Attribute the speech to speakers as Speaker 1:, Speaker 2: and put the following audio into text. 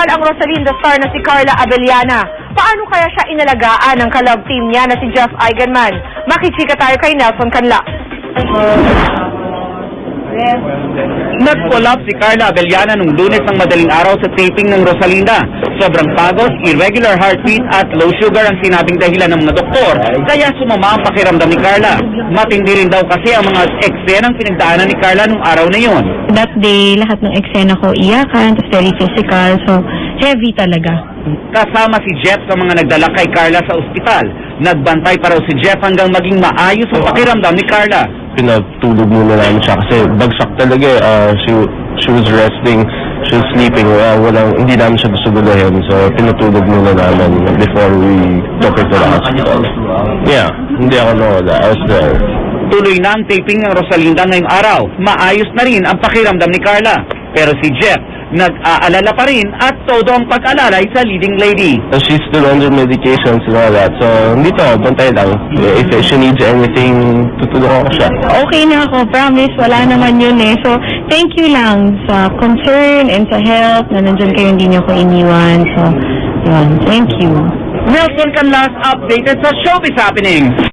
Speaker 1: ospital ang Rosalinda star na si Carla Abellana. Paano kaya siya inalagaan ng kalab team niya na si Jeff Eigenman? Makichika tayo kay Nelson Canla.
Speaker 2: Nag-collapse si Carla Abellana nung Lunes ng madaling araw sa taping ng Rosalinda. Sobrang pagod, irregular heartbeat at low sugar ang sinabing dahilan ng mga doktor, kaya sumama ang pakiramdam ni Carla. Matindi rin daw kasi ang mga eksenang pinagdaanan ni Carla nung araw na yon.
Speaker 3: That day, lahat ng eksena ko iyakan, tapos very physical, so heavy talaga.
Speaker 2: Kasama si Jeff sa mga nagdala kay Carla sa ospital. Nagbantay pa raw si Jeff hanggang maging maayos ang pakiramdam ni Carla.
Speaker 4: Pinatulog muna namin siya kasi bagsak talaga she was resting, she was sleeping, hindi namin siya gusto gulahin, so pinatulog muna namin before we took her to the hospital. Yeah, hindi ako nawala, I was there.
Speaker 2: Tuloy na ang taping ng Rosalinda ngayong araw. Maayos na rin ang pakiramdam ni Carla. Pero si Jeff, nag-aalala pa rin at todo ang pag-alalay sa leading lady.
Speaker 4: So she's still under medications and all that, so dito, bantay lang. If she needs anything, tutulungan ko siya.
Speaker 3: Okay na ako, promise, wala naman yun eh. So, thank you lang sa concern and sa help na nandyan kayo, hindi niyo ko iniwan. So, yun, thank you.
Speaker 2: Nelson Canlas updated sa Showbiz Happening.